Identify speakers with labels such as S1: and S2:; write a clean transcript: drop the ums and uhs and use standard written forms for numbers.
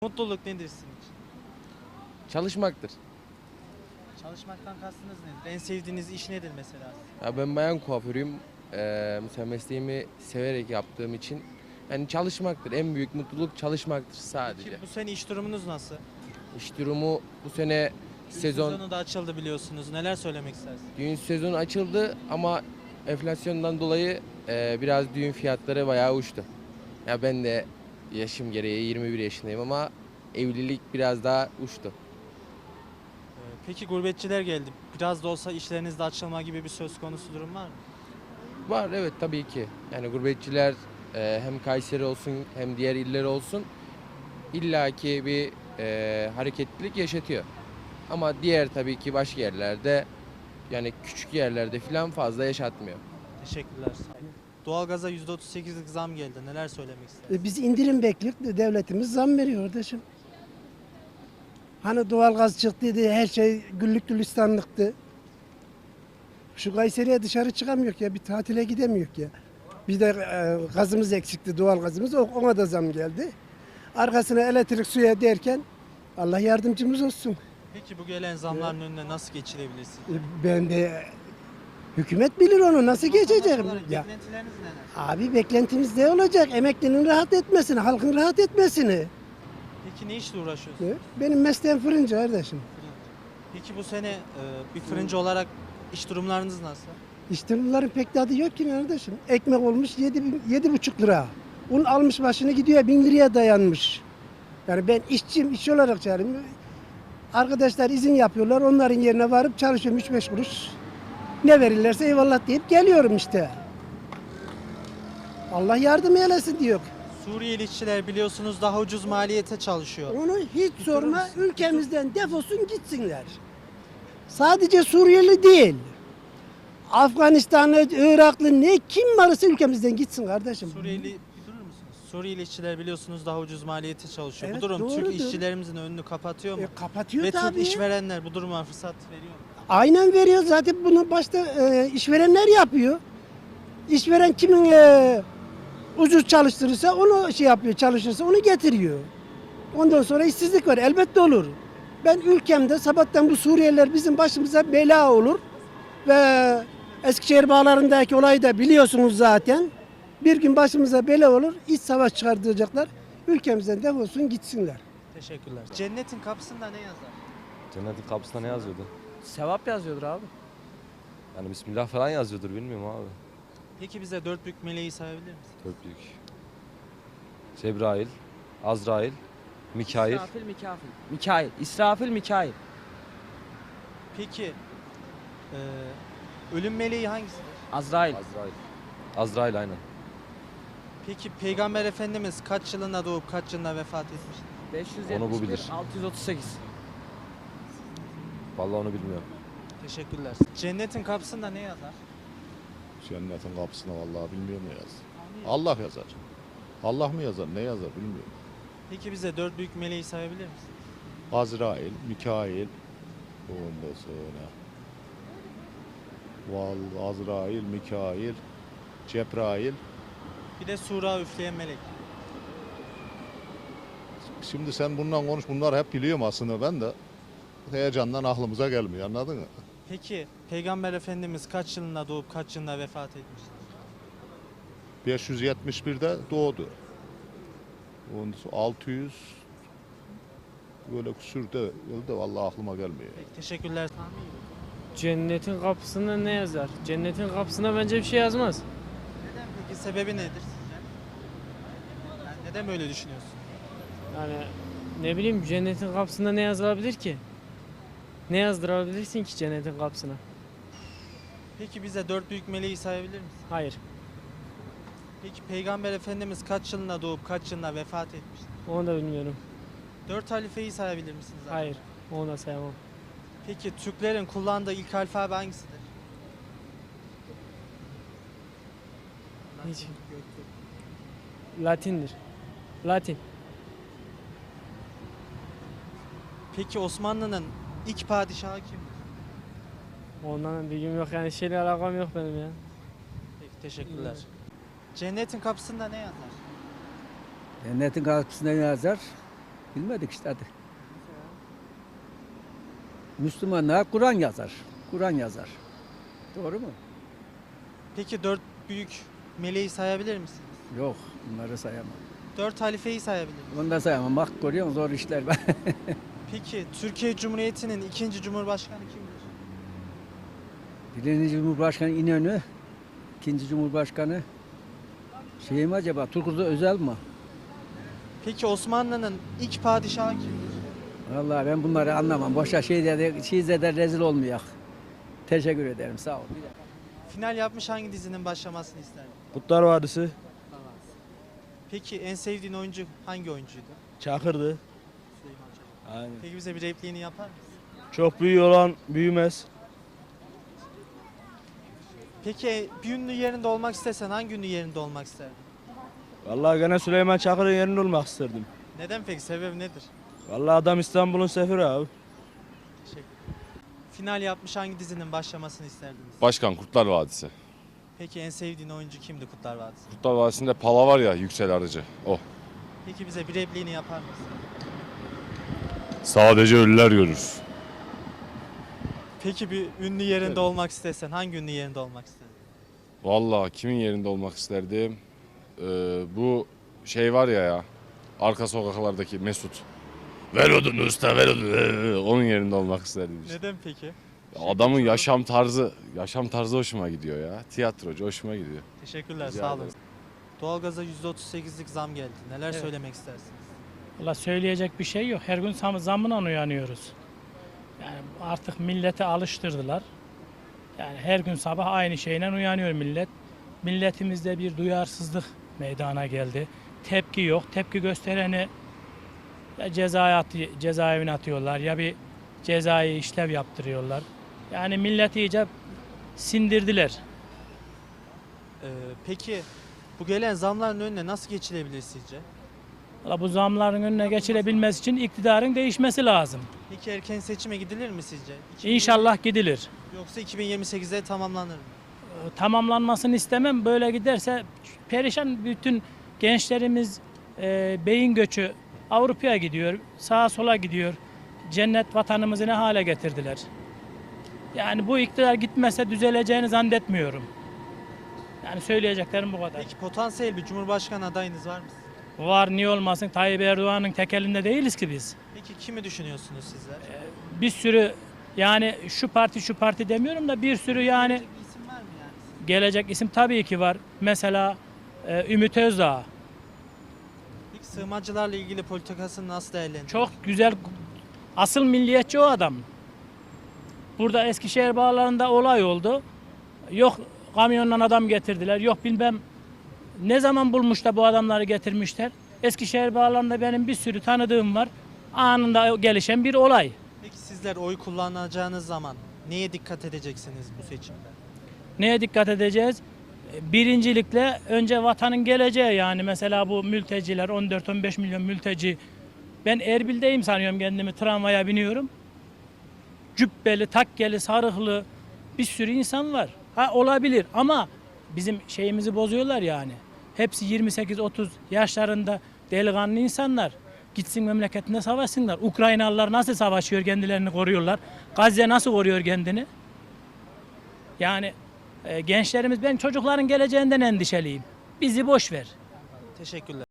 S1: Mutluluk nedir sizin için?
S2: Çalışmaktır.
S1: Çalışmaktan kastınız nedir? En sevdiğiniz iş nedir mesela?
S2: Ya ben bayan kuaförüyüm. Mesela mesleğimi severek yaptığım için yani çalışmaktır. En büyük mutluluk çalışmaktır sadece.
S1: Peki bu sene iş durumunuz nasıl?
S2: İş durumu bu sene
S1: Düğün
S2: sezon
S1: sezonu da açıldı biliyorsunuz. Neler söylemek istersiniz?
S2: düğün sezonu açıldı ama enflasyondan dolayı biraz düğün fiyatları bayağı uçtu. Ya ben de yaşım gereği 21 yaşındayım ama evlilik biraz daha uçtu.
S1: Peki gurbetçiler geldi. Biraz da olsa işlerinizde açılma gibi bir söz konusu durum var mı?
S2: Var, evet, tabii ki. Yani gurbetçiler hem Kayseri olsun hem diğer iller olsun illaki bir hareketlilik yaşatıyor. Ama diğer tabii ki başka yerlerde yani küçük yerlerde falan fazla yaşatmıyor.
S1: Teşekkürler. Doğalgaza %38'lik zam geldi. Neler söylemek istersiniz?
S3: Biz indirim bekliyoruz. Devletimiz zam veriyor kardeşim. Hani doğalgaz çıktıydı, her şey güllük gülistanlıktı. Şu Kayseri'ye dışarı çıkamıyor ya, bir tatile gidemiyor ya. Bir de gazımız eksikti, doğalgazımız. Ona da zam geldi. Arkasına elektrik suya derken Allah yardımcımız olsun.
S1: Peki bu gelen zamların önüne nasıl geçilebilirsiniz?
S3: Ben de hükümet bilir onu nasıl geçeceğim.
S1: Olarak
S3: Ya,
S1: beklentileriniz neler?
S3: abi beklentimiz ne olacak? Emeklinin rahat etmesini, halkın rahat etmesini.
S1: Peki ne işle uğraşıyorsunuz?
S3: Benim mesleğim fırıncı kardeşim.
S1: Peki bu sene bir fırıncı olarak iş durumlarınız nasıl?
S3: İşte bunların pek tadı yok ki kardeşim. Ekmek olmuş 7,5 lira. Un almış başını gidiyor 1.000 liraya dayanmış. Yani ben işçiyim, işçi olarak çağırıyorum. Arkadaşlar izin yapıyorlar, onların yerine varıp çalışıyorum 3-5 kuruş. Ne verirlerse eyvallah deyip geliyorum işte. Allah yardım eylesin diyor.
S1: Suriyeli işçiler biliyorsunuz daha ucuz maliyete çalışıyor.
S3: Onu hiç sorma, ülkemizden defolsun gitsinler. Sadece Suriyeli değil. Afganistanlı, Iraklı ne kim varsa ülkemizden gitsin kardeşim.
S1: Suriyeli bir durur musunuz? Suriyeli işçiler biliyorsunuz daha ucuz maliyete çalışıyor.
S3: Evet,
S1: Bu durum Türk
S3: doğrudur.
S1: işçilerimizin önünü kapatıyor mu?
S3: Kapatıyor
S1: Ve Türk
S3: tabii.
S1: işverenler bu duruma fırsat veriyor mu?
S3: Aynen veriyor zaten bunu başta işverenler yapıyor. İşveren kimin ucuz çalıştırırsa onu şey yapıyor, çalışırsa onu getiriyor. Ondan sonra işsizlik var, elbette olur. Ben ülkemde sabahtan bu Suriyeliler bizim başımıza bela olur ve Eskişehir bağlarındaki olayı da biliyorsunuz zaten. Bir gün başımıza bela olur, iç savaş çıkartacaklar. Ülkemizden defolsun gitsinler.
S1: Teşekkürler. Cennetin kapısında ne yazar?
S4: Cennetin kapısında ne yazıyordu?
S5: Sevap yazıyordur abi.
S4: Yani Bismillah falan yazıyordur bilmiyorum abi.
S1: Peki bize dört büyük meleği sayabilir misin?
S4: Çok büyük. Cebrail, Azrail, Mikail.
S5: İsrafil, Mikail. İsrafil, Mikail.
S1: Peki ölüm meleği hangisidir?
S5: Azrail.
S4: Azrail. Azrail aynen.
S1: Peki Peygamber Efendimiz kaç yılında doğup kaç yılında vefat etmiştir?
S5: 571,
S4: Onu bu bilir.
S5: 638.
S4: Vallahi onu bilmiyorum.
S1: Teşekkürler. Cennetin kapısında ne yazar?
S6: Cennetin kapısına vallahi bilmiyorum ne yazar. Allah yazar. Allah mı yazar, ne yazar bilmiyorum.
S1: Peki bize dört büyük meleği sayabilir misin?
S6: Azrail, Mikail, ondan sonra Azrail, Mikail, Cebrail.
S1: Bir de sura üfleyen melek.
S6: Şimdi sen bundan konuş, bunlar hep biliyorum aslında ben de. Heyecandan aklımıza gelmiyor, anladın mı?
S1: Peki Peygamber Efendimiz kaç yılında doğup kaç yılında vefat etmiştir?
S6: 571'de doğdu. Ondan sonra 600 böyle küsürde yılda vallahi aklıma gelmiyor.
S1: Peki teşekkürler.
S7: Cennetin kapısında ne yazar? Cennetin kapısında bence bir şey yazmaz.
S1: Neden peki? Sebebi nedir sizce? Yani neden böyle düşünüyorsun?
S7: Yani ne bileyim cennetin kapısında ne yazılabilir ki? Ne yazdırabilirsin ki cennetin kapısına?
S1: Peki bize dört büyük meleği sayabilir misin?
S7: Hayır.
S1: Peki Peygamber Efendimiz kaç yılında doğup kaç yılında vefat etmiştir?
S7: Onu da bilmiyorum.
S1: Dört halifeyi sayabilir misiniz? abi?
S7: Hayır. Onu da sayamam.
S1: Peki Türklerin kullandığı ilk alfabe hangisidir?
S7: Hiç. Latindir. Latin.
S1: Peki Osmanlı'nın ilk padişahı kimdir?
S7: Ondan bilgim yok yani şeyle alakam yok benim ya.
S1: Peki teşekkürler. Cennetin kapısında ne yazar?
S8: Cennetin kapısında ne yazar? Bilmedik işte hadi. Müslümanlar Kur'an yazar. Kur'an yazar. Doğru mu?
S1: Peki 4 büyük meleği sayabilir misiniz?
S8: Yok, bunları sayamam.
S1: 4 halifeyi sayabilir misiniz?
S8: Bunu da sayamam. Bak görüyor musun zor işler.
S1: Peki Türkiye Cumhuriyeti'nin ikinci Cumhurbaşkanı kimdir?
S8: Birinci Cumhurbaşkanı İnönü, ikinci Cumhurbaşkanı şey mi acaba? Turgut Özal mı?
S1: Peki Osmanlı'nın ilk padişahı kimdir?
S8: Vallahi ben bunları anlamam. Boşa şeyde rezil olmayak. Teşekkür ederim. Sağ ol.
S1: Final yapmış hangi dizinin başlamasını isterdin?
S5: Kurtlar Vadisi.
S1: Peki en sevdiğin oyuncu hangi oyuncuydu?
S5: Çakır'dı.
S1: Süleyman Çakır.
S5: Aynen.
S1: Peki bize bir repliğini yapar mısın?
S5: Çok büyük olan büyümez.
S1: Peki bir ünlü yerinde olmak istesen hangi ünlü yerinde olmak isterdin?
S5: Vallahi gene Süleyman Çakır'ın yerinde olmak isterdim.
S1: Neden peki? Sebebi nedir?
S5: Vallahi adam İstanbul'un sefiri abi.
S1: Teşekkür ederim. Final yapmış hangi dizinin başlamasını isterdiniz?
S9: Başkan Kurtlar Vadisi.
S1: Peki en sevdiğin oyuncu kimdi Kurtlar Vadisi?
S9: Kurtlar Vadisi'nde Pala var ya, Yüksel Arıcı. O.
S1: Peki bize bir repliğini yapar mısın?
S9: Sadece ölüler görür.
S1: Peki bir ünlü yerinde olmak istesen hangi ünlü yerinde olmak isterdin?
S9: Vallahi kimin yerinde olmak isterdim? Bu şey var ya, arka sokaklardaki Mesut. Ver odunu usta, ver odunu. Onun yerinde olmak isterdim işte.
S1: Neden peki?
S9: Adamın yaşam tarzı hoşuma gidiyor ya. Tiyatrocu hoşuma gidiyor.
S1: Teşekkürler,
S9: Rica
S1: sağ olun.
S9: ederim.
S1: Doğalgaza %38'lik zam geldi. Neler
S7: Evet.
S1: söylemek istersiniz?
S7: Valla söyleyecek bir şey yok. Her gün zammına uyanıyoruz. Yani artık millete alıştırdılar. Yani her gün sabah aynı şeyle uyanıyor millet. Milletimizde bir duyarsızlık meydana geldi. Tepki yok. Tepki göstereni ya cezaevine atıyorlar ya bir cezai işlev yaptırıyorlar. Yani milleti iyice sindirdiler.
S1: Peki bu gelen zamların önüne nasıl geçilebilir sizce?
S7: Valla bu zamların önüne geçilebilmesi için iktidarın değişmesi lazım.
S1: Peki erken seçime gidilir mi sizce?
S7: İnşallah gidilir.
S1: Yoksa 2028'de tamamlanır mı?
S7: Tamamlanmasını istemem. Böyle giderse perişan bütün gençlerimiz beyin göçü Avrupa'ya gidiyor, sağa sola gidiyor. Cennet vatanımızı ne hale getirdiler. Yani bu iktidar gitmese düzeleceğini zannetmiyorum. Yani söyleyeceklerim bu kadar.
S1: Peki potansiyel bir cumhurbaşkanı adayınız var mı?
S7: Var niye olmasın Tayyip Erdoğan'ın tek elinde değiliz ki biz.
S1: Peki kimi düşünüyorsunuz sizler?
S7: Bir sürü yani şu parti demiyorum da bir sürü yani
S1: Bir isim var mı yani?
S7: gelecek isim tabii ki var. Mesela Ümit Özdağ.
S1: Peki sığınmacılarla ilgili politikasını nasıl değerlendiriyorsunuz?
S7: Çok güzel. Asıl milliyetçi o adam. Burada Eskişehir bağlarında olay oldu. Yok kamyonla adam getirdiler. Yok bilmem ne zaman bulmuş da bu adamları getirmişler. Eskişehir bağlarında benim bir sürü tanıdığım var. Anında gelişen bir olay.
S1: Peki sizler oy kullanacağınız zaman neye dikkat edeceksiniz bu seçimde?
S7: Neye dikkat edeceğiz? Birincilikle önce vatanın geleceği yani mesela bu mülteciler 14-15 milyon mülteci. Ben Erbil'deyim sanıyorum kendimi tramvaya biniyorum. Cübbeli, takkeli, sarıklı bir sürü insan var. Ha olabilir ama bizim şeyimizi bozuyorlar yani. Hepsi 28-30 yaşlarında delikanlı insanlar. Gitsin memleketinde savaşsınlar. Ukraynalılar nasıl savaşıyor kendilerini koruyorlar. Gazze nasıl koruyor kendini? Yani gençlerimiz ben çocukların geleceğinden endişeliyim. Bizi boş ver.
S1: Teşekkürler.